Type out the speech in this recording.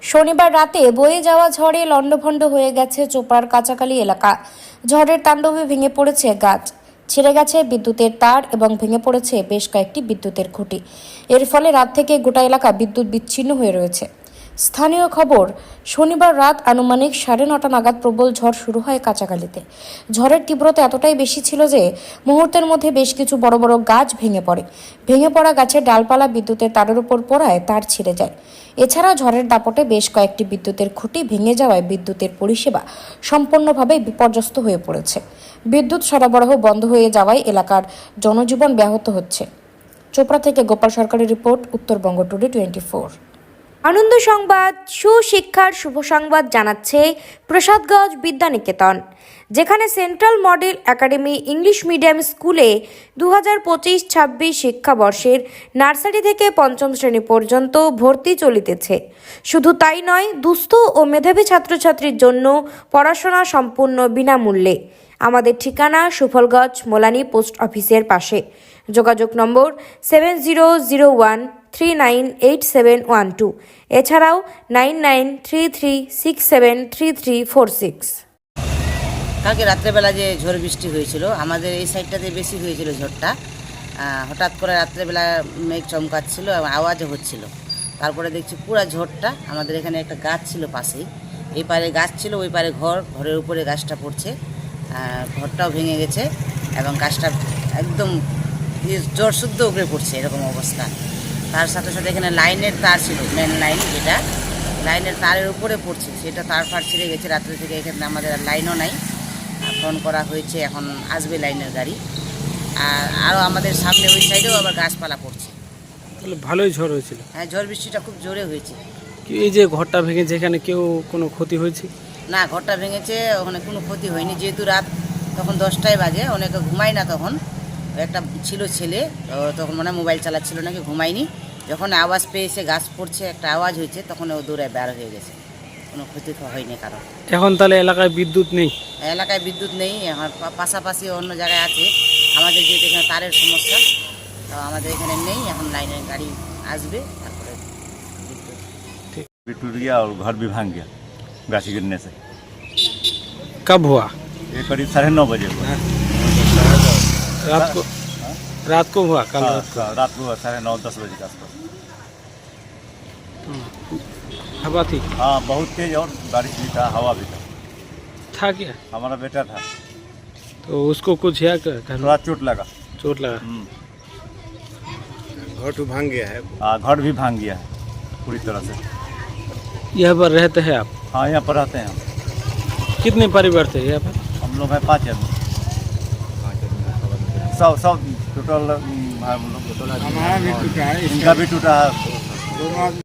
শনিবার রাতে বয়ে যাওয়া ঝড়ে লণ্ডভণ্ড হয়ে গেছে চোপড়ার কাঁচাকালী এলাকা। ঝড়ের তাণ্ডবে ভেঙে পড়েছে গাছ, ছিঁড়ে গেছে বিদ্যুতের তার এবং ভেঙে পড়েছে বেশ কয়েকটি বিদ্যুতের খুঁটি। এর ফলে রাত থেকে গোটা এলাকা বিদ্যুৎ বিচ্ছিন্ন হয়ে রয়েছে। স্থানীয় খবর, শনিবার রাত আনুমানিক 9:30 নাগাদ প্রবল ঝড় শুরু হয় কাঁচাকালীতে। ঝড়ের তীব্রতা এতটাই বেশি ছিল যে মুহূর্তের মধ্যে বেশ কিছু বড় বড় গাছ ভেঙে পড়ে। ভেঙে পড়া গাছের ডালপালা বিদ্যুতের তারের উপর পড়ায় তার ছিঁড়ে যায়। এছাড়া ঝড়ের দাপটে বেশ কয়েকটি বিদ্যুতের খুঁটি ভেঙে যাওয়ায় বিদ্যুতের পরিষেবা সম্পূর্ণভাবে বিপর্যস্ত হয়ে পড়েছে। বিদ্যুৎ সরবরাহ বন্ধ হয়ে যাওয়ায় এলাকার জনজীবন ব্যাহত হচ্ছে। চোপড়া থেকে গোপাল সরকারের রিপোর্ট, উত্তরবঙ্গ টুডে 24। আনন্দ সংবাদ, সুশিক্ষার শুভ সংবাদ জানাচ্ছে প্রসাদগঞ্জ বিদ্যানিকেতন, যেখানে central model academy English medium স্কুলে 2025-26 শিক্ষাবর্ষের নার্সারি থেকে পঞ্চম শ্রেণী পর্যন্ত ভর্তি চলিতেছে। শুধু তাই নয়, দুস্থ ও মেধাবী ছাত্রছাত্রীর জন্য পড়াশোনা সম্পূর্ণ বিনামূল্যে। আমাদের ঠিকানা সুফলগঞ্জ মোলানি পোস্ট অফিসের পাশে। যোগাযোগ নম্বর 7001398712, এছাড়াও 9933673346। কালকে রাত্রেবেলা যে ঝড় বৃষ্টি হয়েছিল, আমাদের এই সাইডটাতে বেশি হয়েছিল ঝড়টা। হঠাৎ করে রাত্রেবেলা মেঘ চমকাচ্ছিল এবং আওয়াজও হচ্ছিল। তারপরে দেখছি পুরো ঝড়টা, আমাদের এখানে একটা গাছ ছিল পাশেই, এই পারে গাছ ছিল, ওই পারে ঘরের উপরে গাছটা পড়ছে, ঘরটাও ভেঙে গেছে এবং গাছটা একদম ঝড় শুদ্ধ উপরে পড়ছে, এরকম অবস্থা। তার সাথে সাথে এখানে লাইনের তার ছিল, মেন লাইন যেটা, লাইনের তারের উপরে পড়ছে, সেটা তার ফার ছিঁড়ে গেছে। রাত্রে থেকে এখানে আমাদের লাইনও নাই, ফোন করা হয়েছে, এখন আসবে লাইনের গাড়ি। আর আরও আমাদের সামনে ওই সাইডেও আবার গাছপালা পড়ছে। তাহলে ভালোই ঝড় হয়েছিল। হ্যাঁ, ঝড় বৃষ্টিটা খুব জোরে হয়েছে। এই যে ঘরটা ভেঙেছে, এখানে কেউ কোনো ক্ষতি হয়েছে? না, ঘরটা ভেঙেছে, ওখানে কোনো ক্ষতি হয়নি। যেহেতু রাত তখন 10টায় বাজে, অনেকে ঘুমায় না তখন। একটা ছিল ছেলে, তখন মনে হয় মোবাইল চালাচ্ছিল নাকি, ঘুমায়নি। যখন আওয়াজ পেয়েছে গাছ পড়ছে, একটা আওয়াজ হয়েছে, তখন ও দূরে বের হয়ে গেছে। কোনো ক্ষতি হয়নি কারণ। এখন তাহলে এলাকায় বিদ্যুৎ নেই? এলাকায় বিদ্যুৎ নেই, এখন পাশাপাশি অন্য জায়গায় আছে। আমাদের যেহেতু এখানে তারের সমস্যা, তো আমাদের এখানে নেই। এখন লাইনের গাড়ি আসবে, তারপরে भी टूट गया और घर भी भांग गया गाछी गिरने से। कब हुआ? ये करीब 9:30 बजे हुआ। रात को हुआ? कल रात को 9:30-10 बजे के आसपास। हवा थी? हाँ, बहुत तेज, और बारिश भी था, हवा भी था क्या? हमारा बेटा था, तो उसको कुछ है क्या? थोड़ा चोट लगा। चोट लगा? घर तो भांग गया है। हाँ, घर भी भांग गया है पूरी तरह से। यहाँ पर रहते हैं आप? हाँ, यहाँ पर रहते हैं हम। कितने परिवार थे यहाँ पर? हम लोग हैं 5 आदमी। सब टोटल हम लोग, हमारा भी टूटा है, इनका भी टूटा है।